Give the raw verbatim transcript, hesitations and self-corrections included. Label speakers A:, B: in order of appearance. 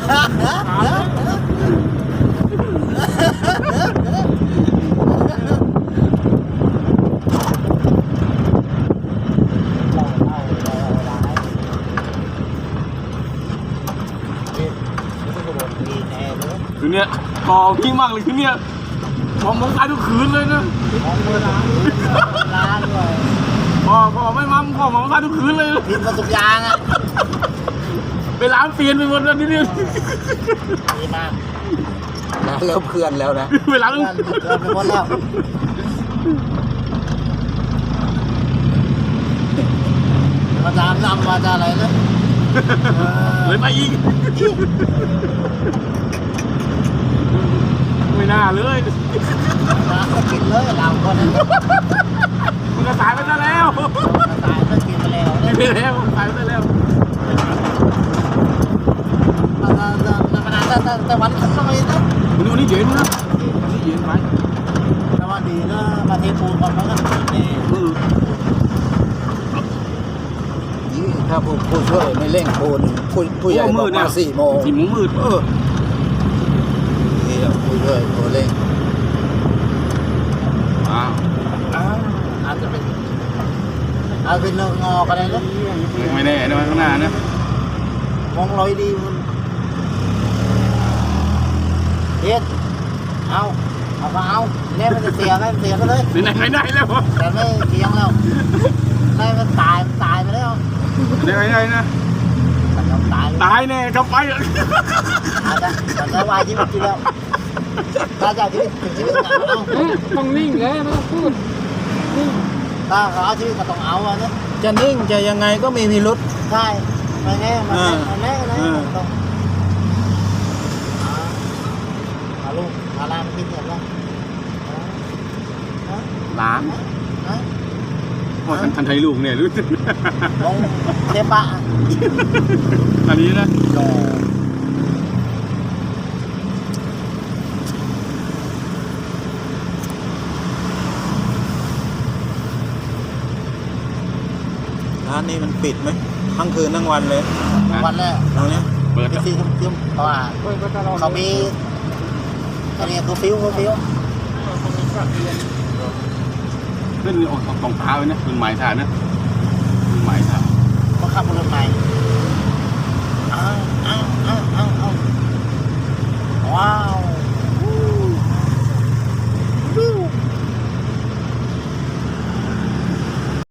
A: คือเนี่ยกอพี่มากเลยคือเนี่ยมองมองตายทุกคืนเลยนะมองมือล้านล้านเลยพอพอไม่มั่มพอมองตายทุกคืนเลย
B: พิมพ์กระสุกยางอ่ะ
A: ไปล้างเปลี่ยนไปหมดแล้วนี่เนี่ย
B: ดีมากนะเริ่มเคลื่อนแล้วนะ
A: ไปล้าง
B: เคลื่อนไปหมดแล้วมาจามนำมาจะอะไรนะ
A: เลยไปอีกไม่น่าเลย
B: มากินเลยเราคนนั้น
A: มันก็ตายไปซะแล้ว
B: ตายไปกินไปแล้ว
A: กินไปแล้วตายไปแล้ว
B: แต่แต่แต่วันทำไมนะ
A: วันนี้วันนี้เย็นนะวันนี้เย็นไป
B: แต่ว่าดีนะมาเทปูนก่อนเขาก็นี่ถ้าผู้ผู้ช่วยไม่เร่งปูนผู้ผู้ใหญ่ต้องมาสี่โมง
A: สี่โมงมืดเออ
B: นี่ผู้ช่วยผู้เร่ง
A: อ้าว
B: อาจจะเป็นอาจเป็นเนื้องอกันเลยนะ
A: ไม่แน่นะข้างหน้านะ
B: มองลอยดีมันเฮ็ดเอาเอาก็เอาเนี่ยมันจะเสียไหมเสียไปเลย
A: ไหนไหนไหนแล้ว
B: แต่ไม่เสียงแล้วได้มันตายตายไปแล้ว
A: ไหนไหนนะ
B: ตาย
A: ตายแน่กับไป
B: อาจจะอาจจะวายชีวิตทีแล้วถ้าจะชีวิตชีวิตเอา
C: ต้องนิ่งเลยไม่ต้องพูด
B: ถ้าเขาเอาชีวิตก็ต้องเอาอ่ะนะ
C: จะนิ่งจะยังไงก็มีพิรุษ
B: ใช่ไม่แน่ไม่แน่ไม่แน่นะต้องเอาลูกเอาลานกินเสร็จแล้ว
A: ล้านว่าทันทันไทยลูกเนี่ยรู้สึก
B: ลงเทปะ
A: ตอนนี้นะ
C: ร้านนี้มันปิดไหมทั้งคืนทั้งวันเลย
B: วันแรก
C: ตรงนี้
A: เปิด
B: ซีทุ่มเพราะว่าเขามีตัวนี้ตัวฟิวตัวฟิว
A: ขึ้นออกของตาเลยนะขึ้นหมายฐานนะ